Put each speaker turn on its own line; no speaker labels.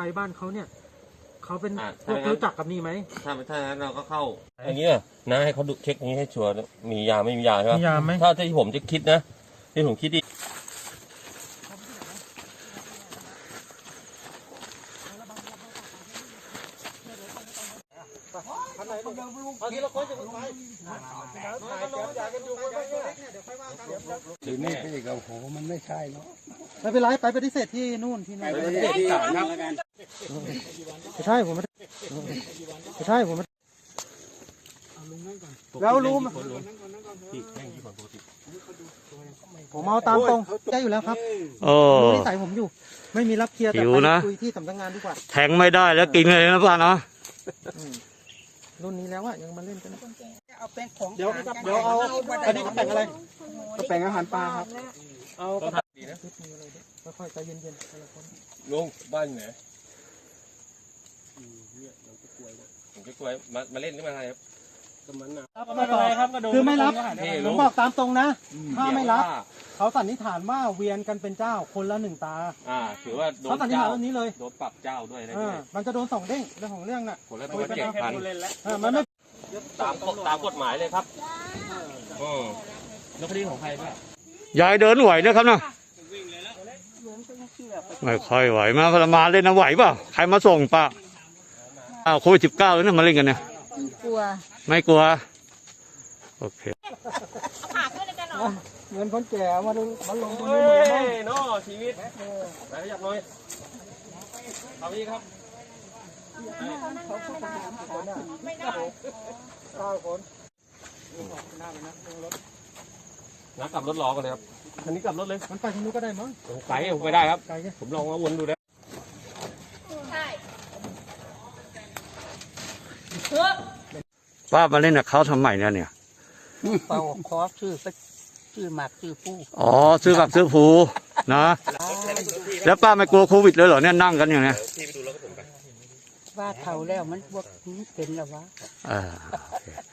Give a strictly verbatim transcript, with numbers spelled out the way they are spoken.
ไปบ้านเขาเนี่ยเขาเป็นพวกรู้จักกับนี่ไหม
ถ้าถ้างั้นเราก็เข้าอย่างนี้นะให้เขาดูเช็คนี้ให้ชัวร์มียาไม่มียาใช่ไหม
มียาไหม
ถ้าที่ผมจะคิดนะที่ผมคิดดิ
ถือนี่ไปอีกโอ้โหมันไม่ใช่เนาะ
ไม่เป็นไรไปปฏิเสธที่นู่นที่นู่น
ไปปฏิเสธที่ศาลครับ
ไม่ใช่ผมไม่ไม่ใช่ผมไม่แล้วรู้ไหมผมเอาตามตรงได้อยู่แล้วครับรู้นิสัยผมอยู่ไม่มีรับเคลียร์แต่ไปคุยที่สำนักงานดีกว่า
แทงไม่ได้แล้วกินเลยนะป้าเนาะ
รุ่นนี้แล้วอะยังมาเล่นกัน
เอาเป็นของ
เดี๋ยวเดี๋ยวเอาอันนี้กระแป่งอะไรกระแป่งอาหารปลาครับเอากระแป่งดีนะค่อยๆใจเย็นๆ
ลุงบ้านไหนผมจะกล้วยมามาเล่นหรือมาอะไรครับ
ไม่เป็นไรครับคือไม่รับผมบอกตามตรงนะถ้าไม่รับเขาสันนิษฐานว่าเวียนกันเป็นเจ้าคนละหนึ่งตา
อ่าถือว่า
เขาสันนิษฐานแบบนี้เลย
โดนปรับเจ้าด้วยนะ
มันจะโดนสองเด้งเรื่องของเรื่องน่ะ
คนละตัวเจ็ดพัน
มันไม่
ตามตามกฎหมายเลยครับอืมแล้วคดีของใครบ้าง
ยายเดินไหวนะครับเนาะไม่ค่อยไหวมาพลมาเล่นนะไหวเปล่าใครมาส่งป่ะอ้าวโควิดสิบเก้าแล้วเนี่ยมาเล่นกันเนี่ย
กลัว
ไม่กลัวโอเค
เงินคนแก่มาดูมาลงทุน
ในเนาะชีวิตไหนอยากน้อยเอาอีกครับ
ไม่ได้เก้าคนหน้าไปนะรถ
นักกลับรถล้อกันเลยครับคันนี้กลับรถเลย
มันไปทางนู้นก็ได้มั้ง
ไกลผมไปได้ครับผมลองมาวนดูแล้ว
ป้ามาเล่นกับเขาทำไมเนี่ยเนี่ย
เป่าคอชื่อชื่อหมากชื่อผู้
อ๋อซื้อกับซื้อผูนะแล้วป้าไม่กลัวโควิดเลยเหรอเนี่ยนั่งกันอย่างเนี้ย
ว่าเท่าแล้วมันพวกนี้เป็นแล้ววะ
อ่า